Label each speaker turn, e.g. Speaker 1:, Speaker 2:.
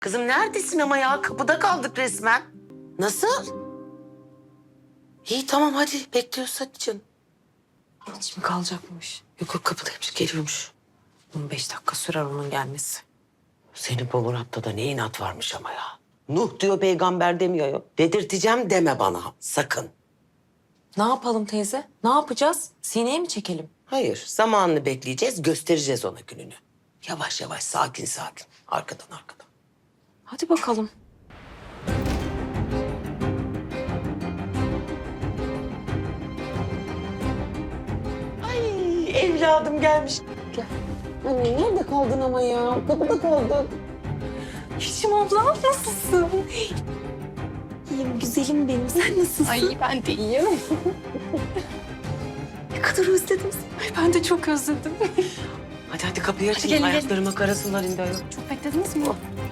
Speaker 1: Kızım neredesin ama ya? Kapıda kaldık resmen. Nasıl? İyi tamam hadi bekliyoruz hadi canım.
Speaker 2: Hiç mi kalacakmış?
Speaker 1: Yok yok kapıdaymış geliyormuş.
Speaker 2: 15 dakika sürer onun gelmesi.
Speaker 1: Senin bu Murat'ta da ne inat varmış ama ya. Nuh diyor peygamber demiyor ya. Dedirteceğim deme bana sakın.
Speaker 2: Ne yapalım teyze? Ne yapacağız? Sineye mi çekelim?
Speaker 1: Hayır zamanını bekleyeceğiz göstereceğiz ona gününü. Yavaş yavaş sakin sakin. Arkadan arkadan.
Speaker 2: Hadi bakalım.
Speaker 1: Ay evladım gelmiş. Gel. Anne nerede kaldın ama ya? Kapıda kaldın.
Speaker 2: Yeşim abla nasılsın? İyiyim güzelim benim. Sen nasılsın?
Speaker 3: Ay ben de iyiyim.
Speaker 2: Ne kadar özledim seni.
Speaker 3: Ay ben de çok özledim.
Speaker 1: Hadi hadi kapıyı açın.
Speaker 3: gelin, gelin.
Speaker 1: Ayaklarıma karasınlar indi ayol.
Speaker 3: Çok beklediniz mi?